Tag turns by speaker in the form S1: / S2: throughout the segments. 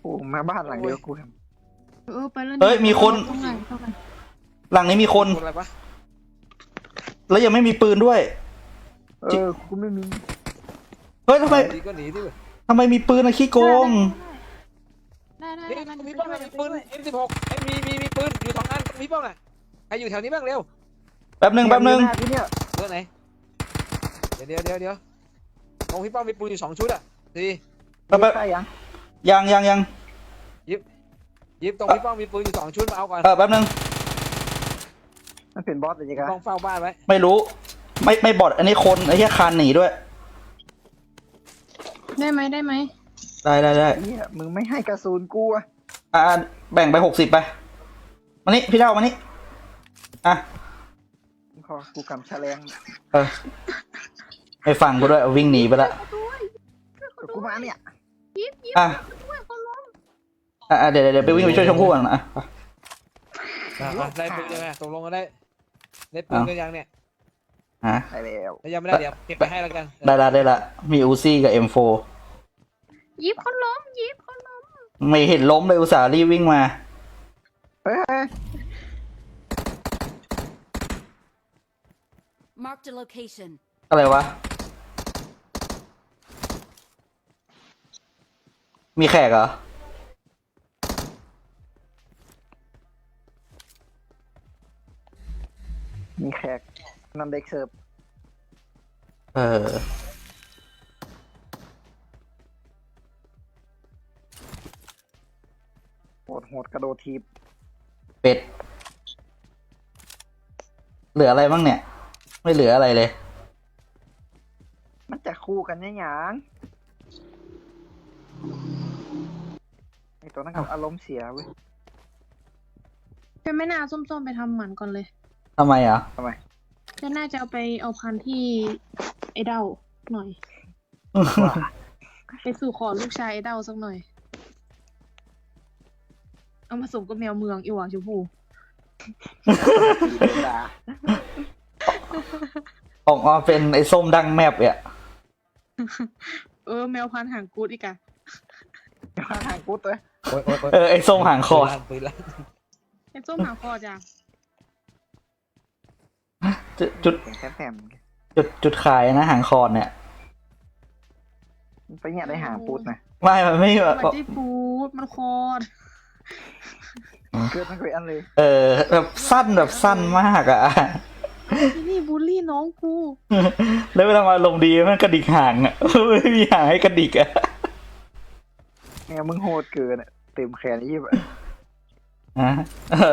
S1: โอ้มาบ้านหลังเดียวกู
S2: ไปแล้ว
S3: เฮ้ยมีคน
S2: เข้าไปเข้าไป
S3: หลังนี้มีคน
S4: อะไรปะ
S3: แล้วยังไม่มีปืนด้วย
S1: กูไม่มี
S3: เฮ้ยทำไม
S4: หนีก็หนีดิ
S3: ทำไมมีปืนอะขี้โกง
S2: ได้
S4: นี่มีป้องมีปืน M16 มีปืนอยู่2 อันมีป้องอ่ะใครอยู่แถวนี้บ้างเร็ว
S3: แป๊บหนึ่ง
S1: กูเนี่ย
S4: เบอร์ไหนเดี๋ยวตรงพี่ป้องมีปืนอยู่2 ชุดอ่ะดี
S3: แป๊บ
S1: ใช่ยัง
S3: ยัง
S4: ยิบตรงพี่ป้องมีปืนอยู่2 ชุดมาเอาก่อน
S3: แป๊บหนึ่ง
S1: มันเป็นบอสเลยจ้ะ
S4: ป้องเฝ้าบ้านไว้
S3: ไม่รู้ ไม่บอดอันนี้คนไอ้แค่คานหนีด้วย
S2: ได้ไหม
S3: ได้
S1: เนี่ยมึงไม่ให้กระสุนกูอะ
S3: แบ่งไป60ไปมานี่พี่เท่ามานี่อ่ะ
S1: พอกูกำแฉลง
S3: ไปฟังกูด้วยวิ่งหนีไปละ
S1: กูมาเนี่ย
S3: อ่ะเดี๋ยวไปวิ่งไปช่วยชมพู่ก่อนนะ
S4: ได้ปืนยังไงตกลงกันได้ปืนกันยังเนี่ย
S3: ฮะ
S1: ได้แล้ว
S4: ยังไม่ได้เดี๋ยวเก็บไปให้แล้วกัน
S3: ได้ละมีอูซี่กับ M4
S2: ยิบคนล้ม
S3: ไม่เห็นล้มเลยอุตส่าห์รีบวิ่งมา
S1: เฮ้ย
S5: Marked a location.
S3: อะไรวะ มีแขกเหรอ
S1: มีแขกนำเด็กเสิร์ฟ โหดกระโดดทีบ
S3: เป็ด เหลืออะไรบ้างเนี่ย ไม่เหลืออะไรเลย
S1: มันจะคู่กันเนี่ยหยังไอตัวนั้นกับอารมณ์เสียเว้ย
S2: จะไม่น่าส้มๆไปทำหมันก่อนเลย
S3: ทำไมอ่ะ
S1: ทำไม
S2: จะน่าจะเอาพันธุ์ที่ไอ้เด้าหน่อย ไปสู่ขอลูกชายไอ้เด้าสักหน่อย เอามาสมกับแมวเมืองอีหว่าชมพู
S3: ออกมาเป็นไอ้ส้มดังแมบเนี่ย
S2: แมวพันธุ์หางกูดอีกอะ
S1: มาทางกูตัว
S4: โอ๊ย
S3: ไอ้ส้มหางคอ
S4: ปืนลั่น
S2: ไอ้ส้มหางคอจ้ะ
S3: จุด
S1: เสียงแถม
S3: จุดขายนะหางคอเนี่ย
S1: ไปเนี่ยได้หางปูดนะ
S3: มันไม่
S2: มันได้ปูดมันคอด
S1: เกิดมันเคยอันเลย
S3: แบบสั้นมากอ่ะ
S2: ที่นี่บูลลี่น้องกู
S3: แล้วเวลามาลมณ์ดีมันกระดิกหางอ่ะ ไม่มีหางให้กระดิกอ่ะ
S1: เนี่ยมึงโหดเกินอะเต็มแขนยี่บ
S3: ฮะ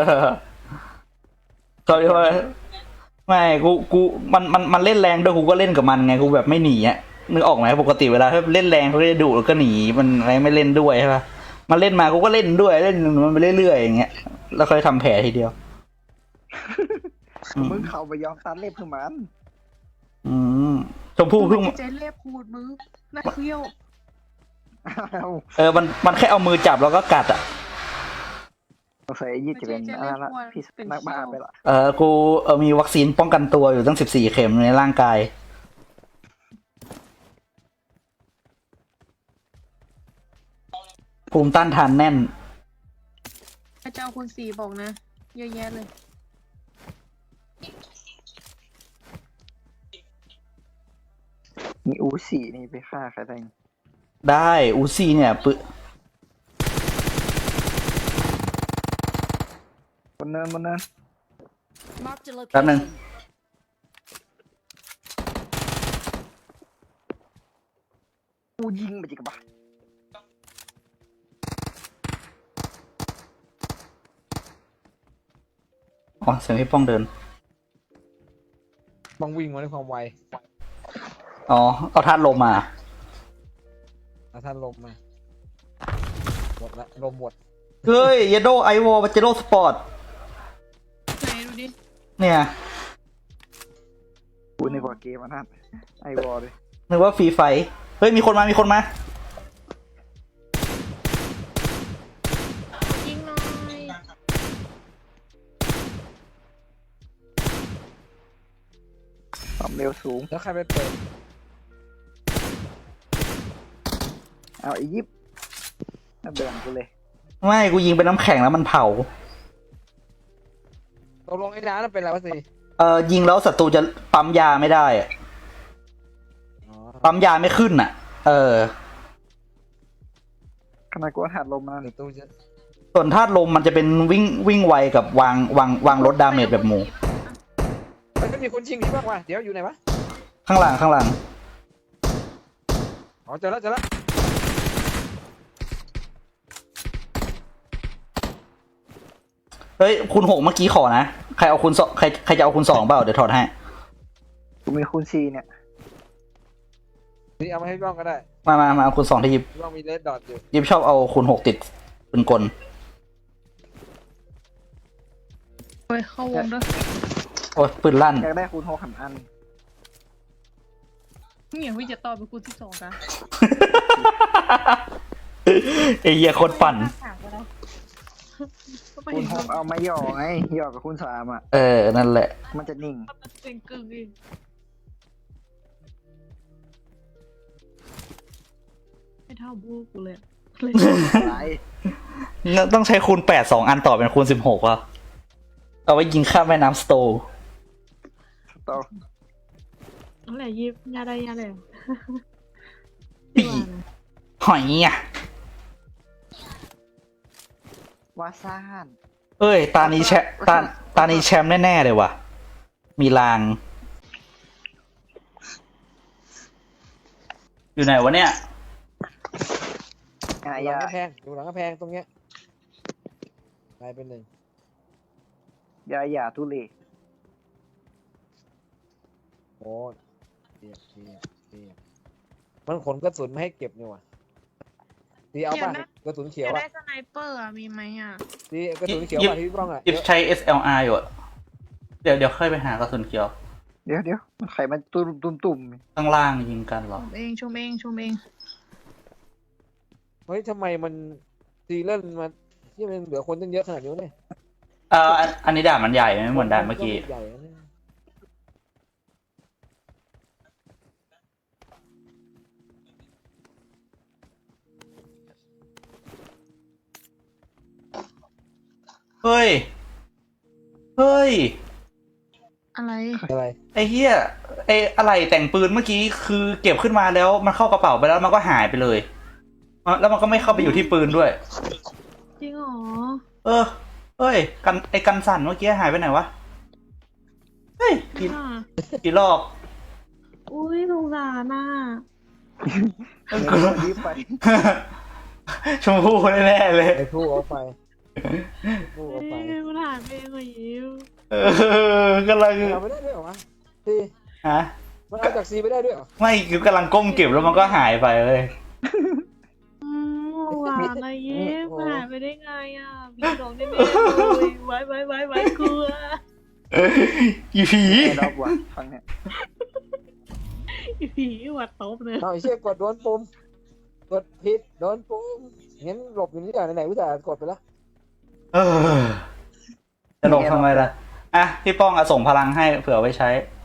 S3: เขาเรียกว่าไม่กูมันเล่นแรงด้วยกูก็เล่นกับมันไงกูแบบไม่หนีอ่ะนึกออกไหมปกติเวลาถ้าเล่นแรงเขาจะดุแล้วก็หนีมันอะไรไม่เล่นด้วยใช่ปะมันเล่นมากูก็เล่นด้วยเล่นมันไปเรื่อยๆอย่างเงี้ยแล้วค่อยทำแผลทีเดียว
S1: มึงเข้าไปยอมตัดเล็บคือมัน
S3: อืมชมพู่เพิ่ง
S2: ใจเล็บพูดมึงน่าเคี้ยว
S3: มันแค่เอามือจับแล้วก็กัดอ่ะ
S1: สงสัยยี่จะเป็นอะไรละพี่นักบ้าไปละ
S3: กูมีวัคซีนป้องกันตัวอยู่ตั้ง14 เข็มในร่างกาย ภูมิต้านทานแน่น
S2: พระเจ้าคุณสีบอกนะ เยอะแยะเลย
S1: มีอูสี่นี่ไปฆ่าใครได้
S3: ได้อูซี่เนี่ย
S1: บนเนิน
S5: Marked a
S3: แป๊บนึง
S5: location.
S1: กูยิงไปจิกบะ
S3: อ๋อเสียงพี่ป้องเดิน
S4: ต้องวิ่งมาด้วยความไว
S3: อ๋อ เอาธาตุลมมา
S4: ท่านลมมาหมดละลมหมด
S3: เฮ้ยเยโดไอวอลเจโรสปอร์ต
S2: ไหนดูดิ
S3: เนี่ย
S1: กูนึกว่าเกมอันนั้นไอวอลเลย
S3: นึกว่าฟรีไฟเฮ้ย มีคนมา
S2: ยิงหน่อย
S1: ความเร็วสูง
S4: แล้วใครไปเปิด
S1: เอาไอยิปเดือนกูเลย
S3: ไม่กูยิงเป็นน้ำแข็งแล้วมันเผา
S4: ตกลงไอ้น้านั่นเป็นอะไรวะสิ
S3: ยิงแล้วศัตรูจะปั๊มยาไม่ได้อะ
S4: อ๋อ
S3: ปั๊มยาไม่ขึ้นอ่ะ
S1: ขนาดกูหัดลมมา
S4: เดี๋ยวตู้จะ
S3: ส่วนธาตุลมมันจะเป็นวิ่งไวกับวางลดดาเมจแบบหมู
S4: มันก็มีคนชิงที่บ้างวะเดี๋ยวอยู่ไหนวะ
S3: ข้างหลัง
S4: อ๋อเจอแล้ว
S3: เฮ้ยคูณ 6เมื่อกี้ขอนะใครเอาคูณ 2ใครจะเอาคูณ 2เปล่าเดี๋ยวถอดให้
S1: กูมีคูณ4เนี่ย
S4: นี่เอามาให้พี่บ้องก็ได้
S3: มาเอาคูณ 2ที่ยิบ
S4: พี่บ้องมีเลดดอทอยู่
S3: ยิบชอบเอาคูณ 6ติดเป็นกล
S2: ไปเข้าวงด้วย
S3: โอ้ยปืนลั่น
S1: อยากได้คูณ6อัน
S2: นี่อย่างวิจะต่อไปกูที่2กัน
S3: ไอ้เหี้ยโคตรปั่น
S1: คูณ6เอามาหย่อไงหย่อกับคูณ3อ่ะ
S3: นั่นแหละ
S1: มันจะนิ่ง
S2: เสียงกึ่งเองไม่เท่าบูกูเลย
S1: หลาย
S3: ต้องใช้คูณ 8 2 อันต่อเป็นคูณ 16ว่ะเอาไว้ยิงข้ามแม่น้ำสโตร์
S1: ต่อ
S2: นั่นแหละยิบยาได้ยาเลย
S3: ปีหอยอ่ะ
S1: วาซ่าน
S3: เอ้ยตานี้แชมป์ตานี้แชมป์แน่ๆเลยว่ะ มีลาง อยู่ไหนวะเนี่ย
S1: อา
S4: หลัง
S1: ญาก
S4: ระแพงอยู่หลังกระแพงตรงเนี้ยกลายเป็นหนึ่ง
S1: ยาหยาทุเรศ
S4: โอ้เสียบมันขนกระสุนมาให้เก็บนี่ว่ะดีเอาป่ะกระสุนเขียว
S2: จะ
S4: อ่ะ
S2: ได้สไนเปอร์มีไหมอ่ะ
S4: ดีกระสุนเขียวป่ะที่พี่บ้องอ่ะ
S3: ยิบใช้ SLR อยู่อะเดี๋ยวค่อยไปหากระสุนเขียว
S1: เดี๋ยวมันไข่มันตุ่ม
S3: ข้างล่างยิงกันเหรอ
S2: ชมเอง
S4: เฮ้ยทำไมมันซีเล่นมาที่มันเหลือคนตั้งเยอะขนาดนี้วะเนี่ย
S3: อันนี้ด่านมันใหญ่ไม่เหมือนด่านเมื่อกี้
S4: ใหญ่นะเนี่ย
S3: เฮ้ย
S2: อะไร
S4: อะไร
S3: ไอ้เหี้ยไอ้อะไรแต่งปืนเมื่อกี้คือเก็บขึ้นมาแล้วมันเข้ากระเป๋าไปแล้วมันก็หายไปเลยแล้วมันก็ไม่เข้าไปอยู่ที่ปืนด้วย
S2: จริงเหรอ
S3: เฮ้ยกันสั่นเมื่อกี้หายไปไหนวะ เฮ้ยกี่รอบ
S2: อุ้ยสงสารน่ะ
S1: ๆมันรีบไป
S3: ชมพู่แน่ๆเลย
S4: ไอ้ผู้เอาไปผู้เอาไป
S2: มันหายไปเองเหรอยิ้ม
S3: กำลัง
S4: เอาไม่ได้ด้วยเหรอวะซี
S3: ฮะ
S4: มันเอาจากซีไปได้ด้วยเหรอ
S3: ไม่คือกำลังก้มเก็บแล้วมันก็หายไปเลย
S2: หวานนะยิ้มหายไปได้ไงอ่ะมีดอกได้ไหมเลยไว้กลัว
S3: อีผี
S1: รอบว่ะฟังเนี่ย
S2: ผีหวัดตบเลย
S4: เอาไอ้เชี่ยกดโดนปุ่มกดผิดโดนปุ่มงั้นหลบอยู่นี่ก่อนไหนๆอุตส่าห์กดไปแล้ว
S3: จะหลบทำไมล่ะ อ่ะ พี่ป้องส่งพลังให้เผื่อไว้ใช้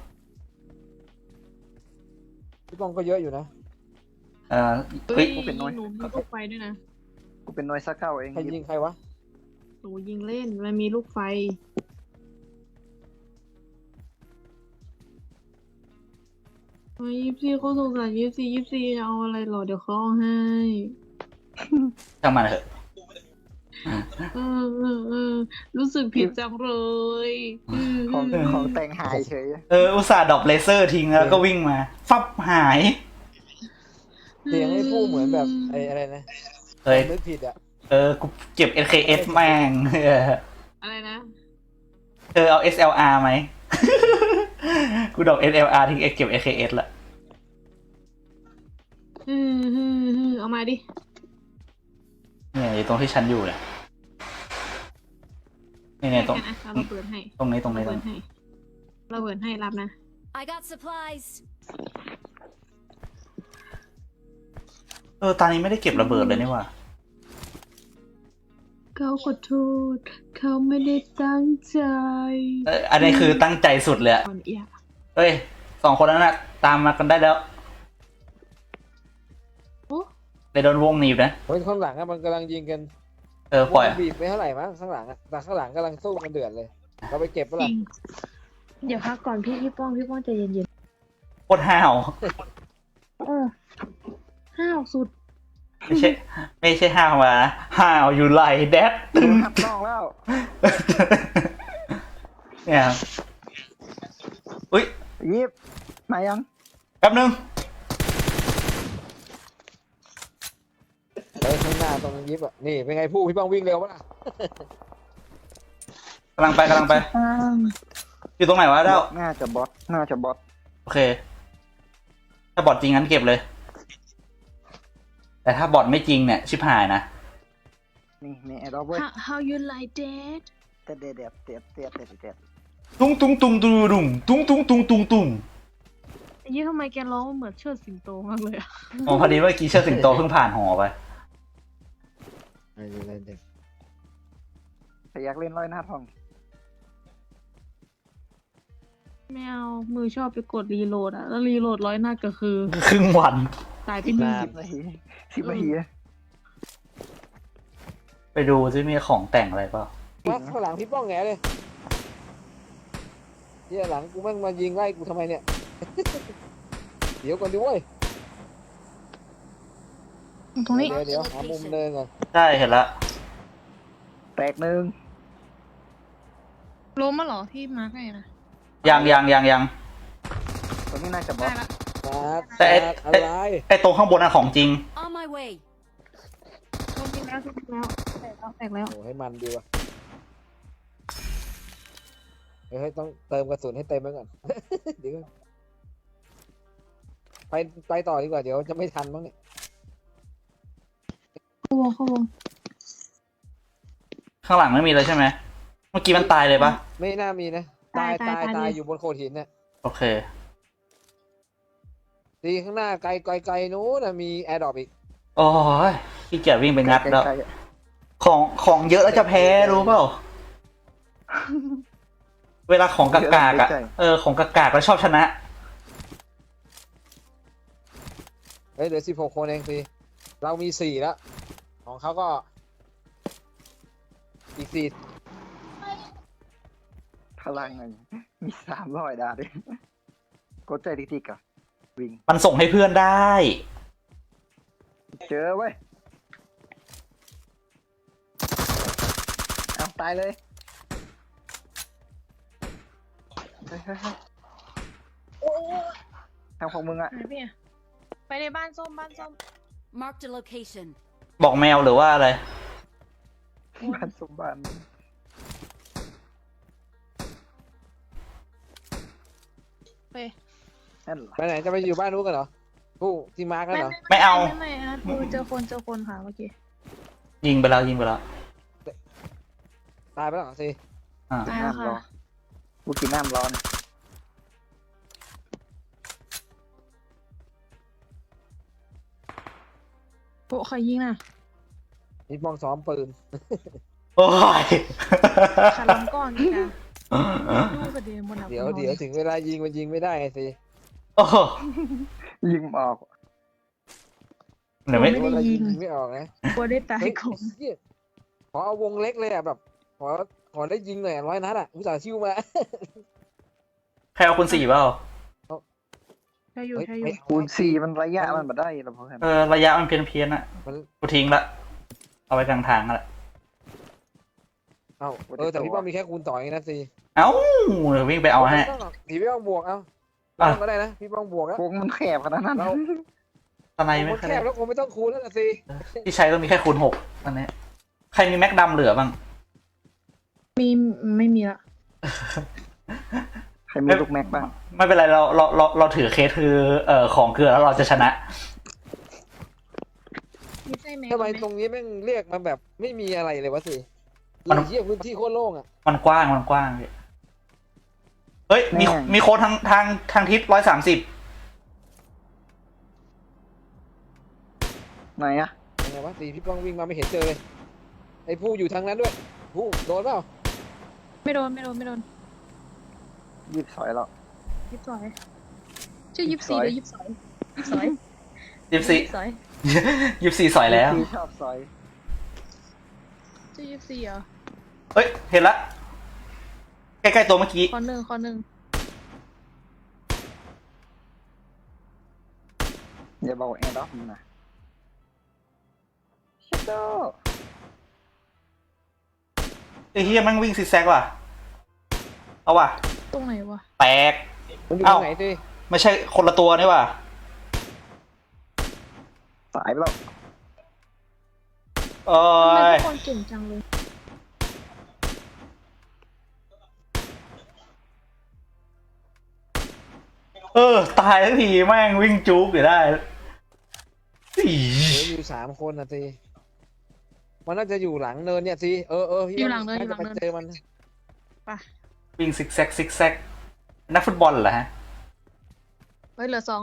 S4: พี่ป้องก็เยอะอยู่นะ
S2: เฮ้ยหนูมีลูกไฟด้วยนะ
S1: กูเป็นน้อยสักเก้าเอง
S4: ใครยิงใครวะ
S2: หนูยิงเล่นมันมีลูกไฟ24เขาสงสาร24จะเอาอะไรหรอเดี๋ยวเขาเอาให้
S3: ช่างมันเถอะ
S2: รู้สึกผิดจังเลย
S1: ของแต่งหายเฉย
S3: อุตส่าห์ดรอปเลเซอร์ทิ้งแล้วก็วิ่งมา ฟับหาย
S4: เสียงไอ้ผู้เหมือนแบบไอ้อะไรนะ
S3: เฮ้ย
S4: นึกผิดอ่ะ
S3: กูเก็บ SKS แม่ง
S2: อะไรนะ
S3: เธอเอา SLR ไหม กูดรอป SLR ทิ้งเก็บ SKS ละ
S2: เอามาดิ
S3: เนี่ยอยู่ตรงที่ฉันอยู่เนี่ยเนี่ยตรง
S2: เราระเบิดให้
S3: ตรงนี้
S2: ระเบิดให้รับนะ
S5: I got supplies.
S3: ตอนนี้ไม่ได้เก็บระเบิดเลยนี่หว่า
S2: เขาขอโทษเขาไม่ได้ตั้งใจ
S3: อันนี้คือตั้งใจสุดเลยอะ
S2: อ่อนเอีย
S3: เฮ้ย2 คนนั้นน่ะตามมากันได้แล้ว
S2: โอ้
S3: เลยโดนวงหนีบนะ
S4: เฮ้ยข้างหลังอะมันกำลังยิงกัน
S3: ปล่อย
S4: วงบีบไปเท่าไหร่มั้งข้างหลังอะแต่ข้างหลังกำลังสู้กันเดือดเลยเราไปเก็บปะ
S2: จ
S4: ล่ะ
S2: ริงเดี๋ยวพักก่อนพี่ป้องใจเย็น
S3: โคตรห้าว
S2: ๆห้าวสุด
S3: ไม่ใช่ห้าวมานะห้าวอยู่ไหลแดด
S1: โดนทับน้องแล้ว
S3: เนี่ยอุ้ย
S1: ยิบมายัง
S3: แป๊บนึง
S4: เฮ้ยข้างหน้าตรงยิบอะนี่เป็นไงผู้พี่ป้องวิ่งเร็วปะล่ะ
S3: กำลังไปอยู่ตรงไหนวะเด้า
S1: น่าจะบอส
S3: โอเค ถ้าบอทจริงงั้นเก็บเลย แต่ถ้าบอทไม่จริงเนี่ยชิบหายนะ
S1: นี่มีแอร์ดรอปเว้ย
S2: how you like that
S1: แต่เด็ด
S3: ตุ้งตุ้งตุ้งตุ้งตุ้งตุ้งตุ้งตุ้งตุ้งตุ้ง
S2: ไอ้ยี่ทำไมแกร้องเหมือนเชิดสิงโตมากเลยอะ
S3: อ๋อพอดีเมื่อกี้เชิดสิงโตเพิ่งผ่านหอไป
S4: อะไรเด็ก
S1: แต่อยากเล่นร้อยหน้าทอง
S2: ไม่เอามือชอบไปกดรีโหลดอะแล้วรีโหลดร้อยหน้าก็คือ
S3: ครึ่งวัน
S2: ตายไปหนึ่ง
S1: 10 นาทีนะ
S3: ไปดูซิมีของแต่งอะไรเปล่า
S4: มาข้างหลังพี่ป้องแงเลยเฮียหลังกูแม่งมายิงไล่กูทำไมเนี่ย เดี๋ยวก่อนดิเว้ย
S2: ตรงนี้
S4: เดี๋ยวหามุมเดินก่อน
S3: ใช่เห็นละ
S1: แตกหนึ่ง
S2: ล้มมาเหรอที่มาร์กให้นะ
S3: ยัง
S1: ตัวนี้น่าจะบอ
S2: ได้
S1: ส
S2: ละ
S3: แต่
S4: อะไร
S3: ไอ้ตรงข้างบนน่ะของจริง
S5: On my way.
S2: ล้มจริงแล้วแตกแล้ว
S4: โอ้ให้มันดีว่ะเฮ้ยต้องเติมกระสุนให้เต็มไว้ก่อน เดี๋ยวก่อนไปต่อดีกว่าเดี๋ยวจะไม่ทันมั้งเนี่ย
S2: เข้าวง
S3: ข้างหลังไม่มีเลยใช่ไหม เมื่อกี้มันตายเลยปะ
S4: ไม่น่ามีนะตาย
S2: ตาย
S4: อยู่บนโขดหินเนี่ย
S3: โอเค
S4: ดีข้างหน้าไกลนู้นนะมีแอร์ดรอปอีก
S3: โอ้ยพี่เกียจวิ่งไปงัดแล้ว
S1: ใกล้
S3: ของเยอะแล้วจะแพ้รู้เปล่า เวลาของกากๆอ่ะ ของกากๆแล้วชอบชนะ
S4: เฮ้ยเหลือ16 คนเองสิเรามี4แล้วของเขาก็อีก4
S1: ๆพลังหนึ่งมี300 ดาด้วยกดใจทิกๆอ่ะวิ่ง
S3: มันส่งให้เพื่อนได้
S1: เจอเว้ยเอาตายเลยเฮ้ยทางของมึงอ่ะ
S2: ไหนพี่อะไปในบ้านส้ม
S5: Marked a location.
S3: บอกแมวหรือว่าอะไร
S1: บ้านสมบัติ
S2: ไป
S1: นั่นเหรอ
S4: ไปไหนจะไปอยู่บ้านนู้นกันเหรอผู้ที่มาร์กกันเหรอ
S3: ไม่เอา
S2: ไม่นะดูเจอคนค่ะเมื่อกี้
S3: ยิงไปแล้ว
S4: ตายไปแล้วเหรอสิ
S3: อ่า
S2: ตายแล้ว
S1: น้ำร้อ
S2: ค่ะ
S1: นกูกินน้ำร้อน
S2: โปะใครยิงน่ะ
S4: นี่มองซ้อมปืน
S3: โอ้ย
S2: ขาล้ำก้อนนี่นะดูกระเด็นบนหนัก
S4: เดี๋ยวถึงเวลายิงมันยิงไม่ได้ไงสิ
S3: โอ้โห
S1: ยิงออก
S3: เดี๋ยวไม่
S4: เวลายิงไม่ออกนะ
S2: กลัวได้ตาย
S4: เฮ้ย
S2: ก่อน
S4: เหี้ยขอเอาวงเล็กเลยอ่ะแบบขอได้ยิงหน่อย100 นัดอ่ะอุตส่าห์ชิวมา
S3: ใครเอาคุณ4เปล่า
S2: ใช่อยู่
S1: คูณ4มันระยะมันมาได้เราพอกัน
S3: ระยะมันเพี้ยนๆอ่ะ
S4: มัน
S3: กูทิ้งละ เอาไว้กลางทางละ
S4: แต่พี่ป้อมมีแค่คูณ2เองนะสิ
S3: เอ้าเดี๋ยววิ่งไปเอาให้
S4: พี่ป้อมบวกเอาพี่ป้อมก็ได้นะพี่ป้อมบวกแล้ว
S1: วงมันแคบขนาดนั้น
S4: เรา
S3: ตอนไหน
S4: ว
S3: ไม่
S4: ง
S3: ค่อย
S4: แค
S3: ได้
S4: บแล้วคงไม่ต้องคูณแล้วนะสิ
S3: ที่ใช้ก็มีแค่คูณ6อันนี้ ใครมีแม็กดำเหลือบ้าง
S2: มีไม่มีละ
S1: ใครมีลูกแม็กบ้าง
S3: ไม่เป็นไรเราถือเคสคือของเกลือแล้วเราจะชนะ
S2: ไม่ใช่แม็ก
S4: ทำไมตรงนี้แม่งเรียกมันแบบไม่มีอะไรเลยวะสิ
S3: มัน
S4: เยี่ยพื้นที่โคตรโล่งอ่ะ
S3: มันกว้างพี่เฮ้ย มีโค้ดทางทิศ130
S1: ไหนอะ
S4: ยังไงวะสิพี่ป้องวิ่งมาไม่เห็นเจอเลยไอ้ผู้อยู่ทางนั้นด้วยผู้โดนเปล่า
S2: ไม่โดน
S1: ยิบสอยแล้ว
S2: ยิบสอยชื่อ24หรือ22 สอย
S3: 24 สอยแล้ว
S1: ที่ชอบซอย
S2: ชื่อ24เหรอ
S3: เฮ้ย เห็นละ ใกล้ๆตัวเมื่อกี้
S2: คอหนึ่ง
S1: อย่าบอกแอร์ด็อกมึงนะชิโด
S3: ไอ้เฮียแมันวิ่งซิกแซกว่ะ เอาว่ะ
S2: ตรงไหนวะ
S3: แตก
S4: มันอยู่ต
S3: เอ้า
S4: รงไหนสิ
S3: ไม่ใช่คนละตัวนี่ว่ะ
S1: สายไปแล้ว
S3: เอ้
S2: ทำไม
S3: ย
S2: ทุกคนเก่งจังเลย
S3: ตายทันทีแม่งวิ่งจุกอยู่ได้อี
S4: เหลืออยู่3 คนนะสิมันน่าจะอยู่หลังเนินเนี่ยสิพี่
S2: อยู่หลังเนิน
S4: าจะไปเจอมัน
S2: ไป
S3: วิ่งซิกแซกซิกแซกนักฟุตบอลเหรอฮะ
S2: เฮ้ยเหลือสอง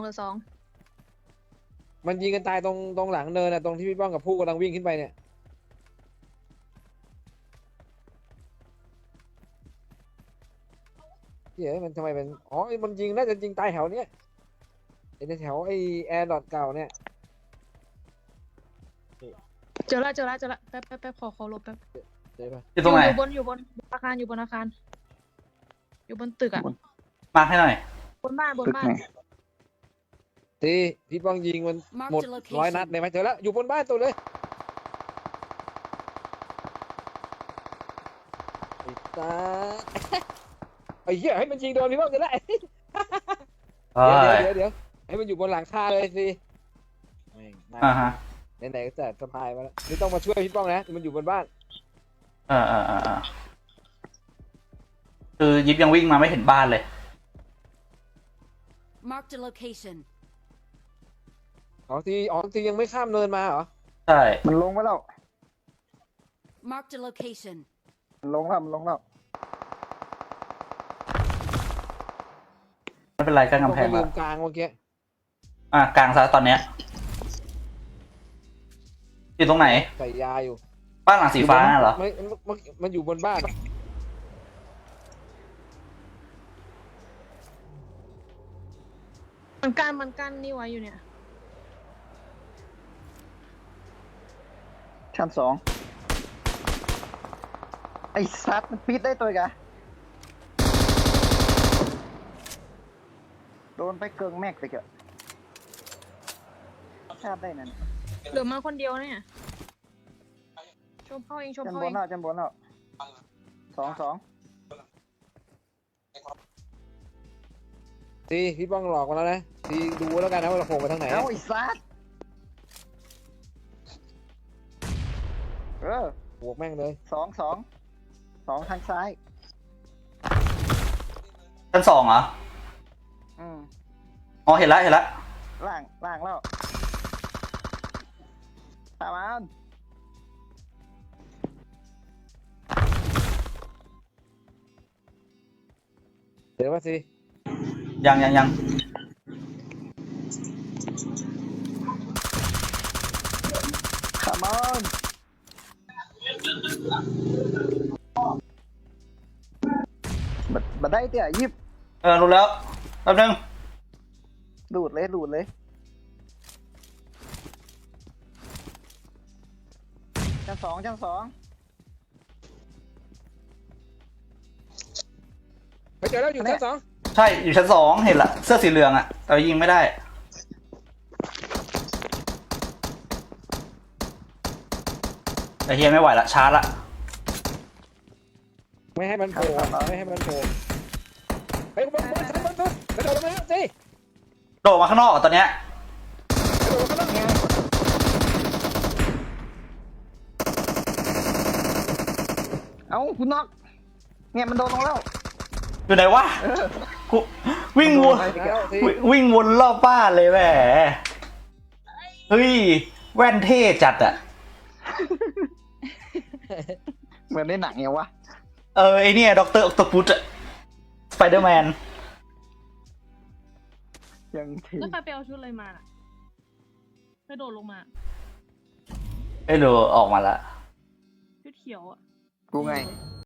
S4: มันยิงกันตายตรงหลังเนินนะตรงที่พี่ป้องกับผู้กำลังวิ่งขึ้นไปเนี่ยเฮ้ยมันทำไมเป็นมันยิงน่าจะยิงตายแถวเนี้ยไอ้แถวไอ้แอร์ดอทเก่าเนี่ย
S2: เจอละแป๊บขอลบแป๊บ
S4: เจอปะ
S3: อยู่ตรงไหน
S2: อยู่บนอาคารอยู่บนตึกอะ
S3: มาร์คให้หน่อย
S2: บนบ้าน
S1: ตึกไหน
S4: สิพี่ป้องยิงมัน
S5: Marked
S4: หมด
S5: a
S4: 100 นัด
S5: location.
S4: เลยไหมเจอแล้วอยู่บนบ้านตัวเลยไอ้ตา ไอ้เหี้ยให้มันยิงโดนพี่ป้องจะได้
S3: เอ้ย
S4: เดี๋ยวให้มันอยู่บนหลังคาเลยสิแม่งน่า
S3: ฮะ
S4: ไหนๆก็จัดสะพายมาแล้วนี่ต้องมาช่วยพี่ป้องนะมันอยู่บนบ้าน
S3: เออคือยิบยังวิ่งมาไม่เห็นบ้านเลย
S5: Marked a location.
S4: ทียังไม่ข้ามเนินมาเหรอ
S3: ใช่
S1: มันลงไปแล้ว
S5: Marked a location.
S1: มันลงแล้ว
S3: ไม่เป็นไรกั้น
S4: ต้อง
S3: กำแพ
S4: ไป
S3: ง
S4: ลื
S3: แล้ว
S4: มกลางเมื่อกี้
S3: กลางซะตอนเนี้ยอยู่ตรงไหน
S4: ใส่ยาอยู่
S3: บ้านหลังสีฟ้าน่ะเหรอ
S4: มันอยู่บนบ้าน
S2: มันกั้นนี่ไว้อยู่เนี่ย
S1: ชั้น 2ไอ้ซัดมันปิดได้ตัวอีกะโดนไปเกิงแม็กไปเกอะชาติได้นั่น
S2: เหลือมาคนเดียวเนี่ยชมเข้าเอง
S1: จันบนแล้วสอง
S4: ทีพี่ป้องหลอกมาแล้วนะทีดูแล้วกันนะว่าเราโผล่ไปทางไหน
S1: เอ้าไอ้ซัด
S4: บวกแม่งเลย
S1: สองทางซ้าย
S3: ชั้น 2เหรอ
S1: อืม
S3: อ๋อเห็นแล้ว
S1: ล่างแล้วตามมัน
S4: เดี๋ยวว่าสิ
S3: ยัง
S1: ตามมันบัดได้เตี่ยยิบ
S3: รู้แล้วแป๊บนึง
S1: ดูดเลยชั้นสอง
S4: ไปเจอแล้วอยู่ชั้น 2
S3: ใช่อยู่ชั้น 2เห็นละเสื้อสีเหลืองอะแต่ยิงไม่ได้แต่เฮียไม่ไหวละชาร์จละ
S4: ไม่ให้มันโผล่ไปบนชั้นบนกระโดดลงมาแล้วสิ
S3: โดดมาข้างนอกอะตอนเนี้ย
S4: กระโดดลงมาแล้ว
S1: เอ้าคุณน็อกเนี่ยมันโดนลงแล้ว
S3: อยู่ไหนวะกูวิ่งวน
S4: แล้วสิ
S3: วิ่งวนรอบบ้านเลยแหมเฮ้ยแว่นเท่จัดอะ
S1: เหมือนในหนังไงวะ
S3: ไอเนี่ยด็อกเตอร์ออคโตปุสอะสไปเดอร์แมน
S1: ยังที
S2: แล้วใครไปเอาชุดอะไรมาน่ะกระโดดลงมา
S3: ไอ้ดูออกมาละ
S2: ชุดเขียวอะ
S1: กูไง